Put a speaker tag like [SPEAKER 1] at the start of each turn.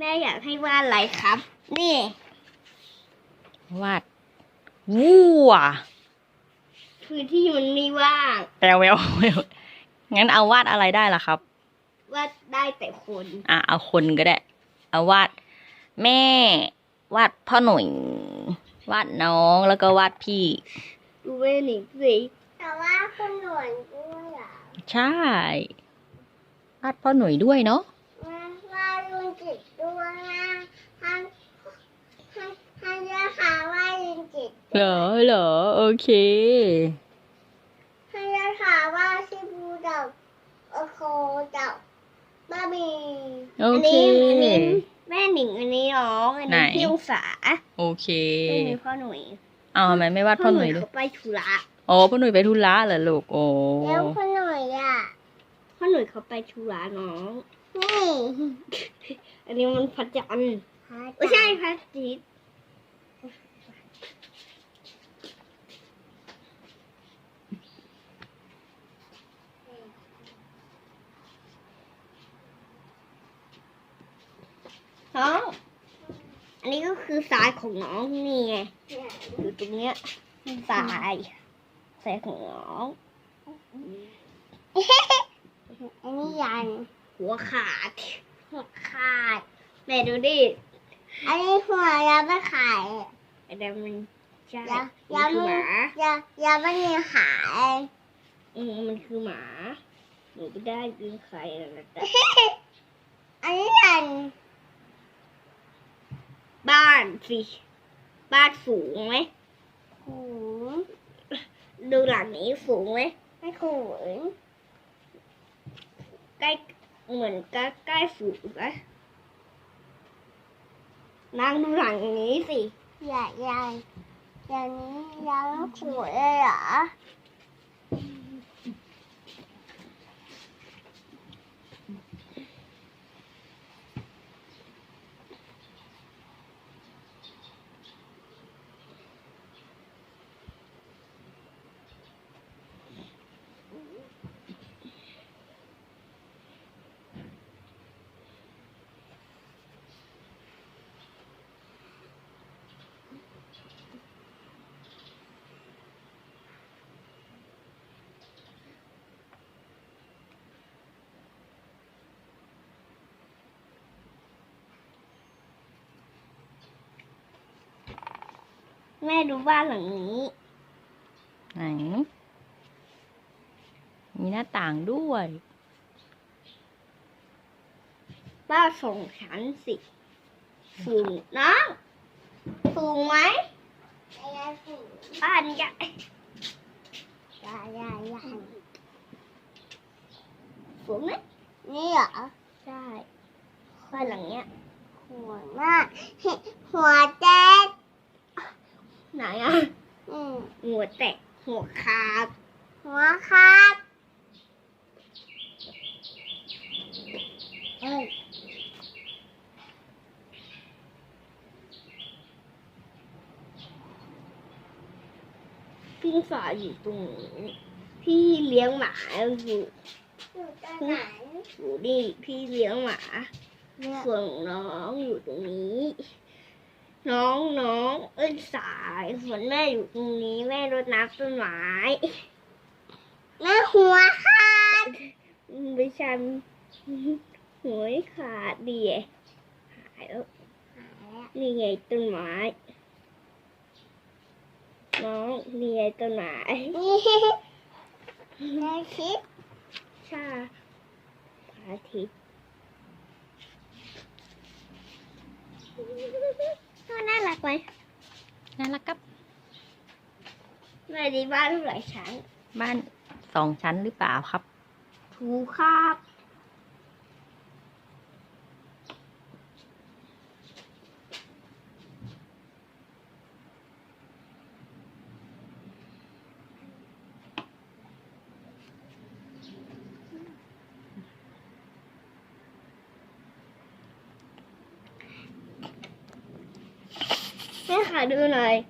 [SPEAKER 1] แม่อยากให้วาดอะไรครับ นี่
[SPEAKER 2] วาดวัว
[SPEAKER 1] พื้นที่มันไม่ว่าง
[SPEAKER 2] แปลวแววงั้นเอาวาดอะไรได้ล่ะครับ
[SPEAKER 1] วาดได้แต่คน
[SPEAKER 2] เอาคนก็ได้ เอาวาดแม่ วาดพ่อหนุ่ย วาดน้องแล้วก็วาดพี่
[SPEAKER 1] ดูแม่หนิสิแต่ว่าคนหนวดด้วยอ่ะ
[SPEAKER 2] ใช่ วาดพ่อหนุ่ยด้วยเนาะ
[SPEAKER 1] วาดลุงจิตด้วยนะให้ยาขาวาดลุงจิต
[SPEAKER 2] เหรอโอเค
[SPEAKER 1] ให้ยาขาวาดชิบูดับโอโคดับบ้าบี
[SPEAKER 2] โอเค
[SPEAKER 1] อันนี้แม่หนิงอันนี้น้องอันนี้
[SPEAKER 2] ไหน
[SPEAKER 1] พี่องศา
[SPEAKER 2] โอเค
[SPEAKER 1] อันนี้พ่อหนุ่ย
[SPEAKER 2] เอาทำไมไม่วาดพ่อหนุ่ยด้วย
[SPEAKER 1] เขาไปธุระ
[SPEAKER 2] อ๋อพ่อหนุ่ยไปธุระเหรอลูกโอ้
[SPEAKER 1] แล้วพ่อหนุ่ยอ่ะพ่อหนุ่ยเขาไปธุระน้องนี่อันนี้มันพระจันทร์ไม่ใช่พระอาทิตย์น้องอันนี้ก็คือทรายของน้องนี่ไงอยู่ตรงเนี้ยทรายของน้อง อันนี้ยันหัวขาดแม่ดูดิอันนี้หัวยังไม่ขาดไอ้เดี๋ยวมันใช่มันคือหมายังไม่มีขามันคือหมาหนูไม่ได้กินไข่นะแต่อันนี้ยันบ้านสิบ้านสูงไหมสูงดูหลังนี้สูงไหมไม่สูงใกล้เหมือนใกล้ฝูงนะนั่งดูหลังนี้สิอย่างนี้ยังสวยเลยเหรอแม่ดูบ้านหลังนี้
[SPEAKER 2] ไหน มีหน้าต่างด้วย
[SPEAKER 1] บ้านสองชั้นสิสูงนะสูงไหมบ้านใหญ่สูงไหมนี่เหรอใช่บ้านหลังเนี้ยหัวมากหัวแตกไหนอ่ะหัวแตกหัวขาดเอ้ยพี่ฝาอยู่ตรงนี้พี่เลี้ยงหมาอยู่ตรงไหนอยู่นี่พี่เลี้ยงหมาส่วนน้องอยู่ตรงนี้น้องเอ้ยสายส่วนแม่อยู่ตรงนี้แม่รดน้ำต้นไม้แม่หัวขาดไม่ใช่หัวขาดดีหายแล้วนี่ไงต้นไม้น้องนี่ไงต้นไม้พระอาทิตย์ใช่พระอาทิตย์น่ารักไหม
[SPEAKER 2] น่ารักครับ
[SPEAKER 1] แม่ดีบ้านเท่าไหร่ชั้น
[SPEAKER 2] บ้าน2 ชั้นหรือเปล่าครับ
[SPEAKER 1] ถูกครับแม่ขอดูหน่อย